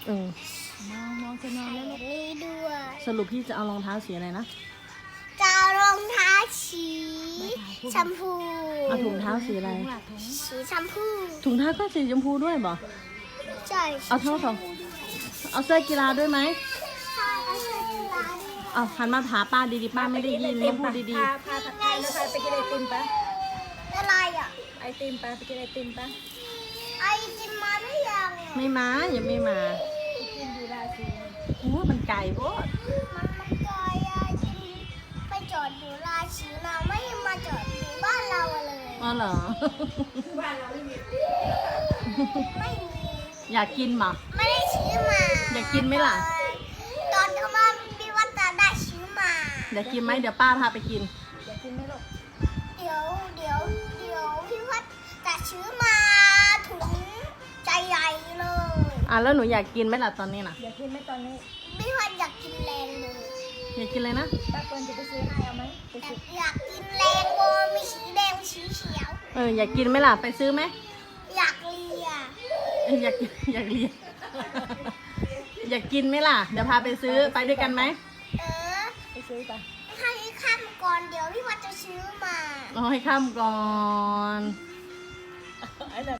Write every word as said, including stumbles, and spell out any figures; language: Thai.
เออน้องน้องจะนอนแล้วลูกนี่ด้วยสรุปพี่จะเอารองเท้าสีอะไรนะจะเอารองเท้าสีชมพูเอาถุงเท้าสีอะไรถุงหลักถุงสีชมพูถุงเท้าก็สีชมพูด้วยบ่ใช่เอาเท่าสองเอาเสื้อกีฬาด้วยไหมใช่เอาเสื้อกีฬาด้วยเอาหันมาถามป้าดีๆป้าไม่ได้ยินต้องพูดดีพาพาผัดไทยแล้วพาไปกินไอติมปะอะไรอ่ะไอติมปะไปกินไอติมปะไอจิมมาหรือยังๆไม่มายังไม่มากินอยู่ราศีโอ้มันไกลโพดมันมันไกลอ่ะจิมไปจอดอยู่ราชีมาไม่มาจอดอยู่บ้านเราเลยอ๋อเหรอบ้านเราไม่มีไม่มีอยากกินบ่ไม่ได้ซื้อมาอยากกินไหมล่ะตอนเขามาพี่วัดตาได้ซื้อมาอยากกินไหมเดี๋ยวป้าพาไปกินอยากกินไหมลูกเดี๋ยวเดี๋ยวเดี๋ยวพี่วัดจะซื้อมาถุงใจใหญ่เลยอ่ะแล้วหนูอยากกินไหมล่ะตอนนี้น่ะอยากกินไหมตอนนี้พี่วัดอยากกินแรงเลยอยากกินเลยนะป้าเปิ้ลจะไปซื้อให้เอาไหมไปอยาซื้กออยากกินแรงโบมีสีแดงสีเขียวเอออยากกินไหมล่ะไปซื้อไหมอยากเลียเอออยากกินอยากเรียน อยากกินไหมล่ะเดี๋ยวพาไปซื้อไปด้วยกันไหมเออไปซื้อปะให้ข้ามก่อนเดี๋ยวพี่วัดจะซื้อมาเอาให้ข้ามก่อนไอ้แบบ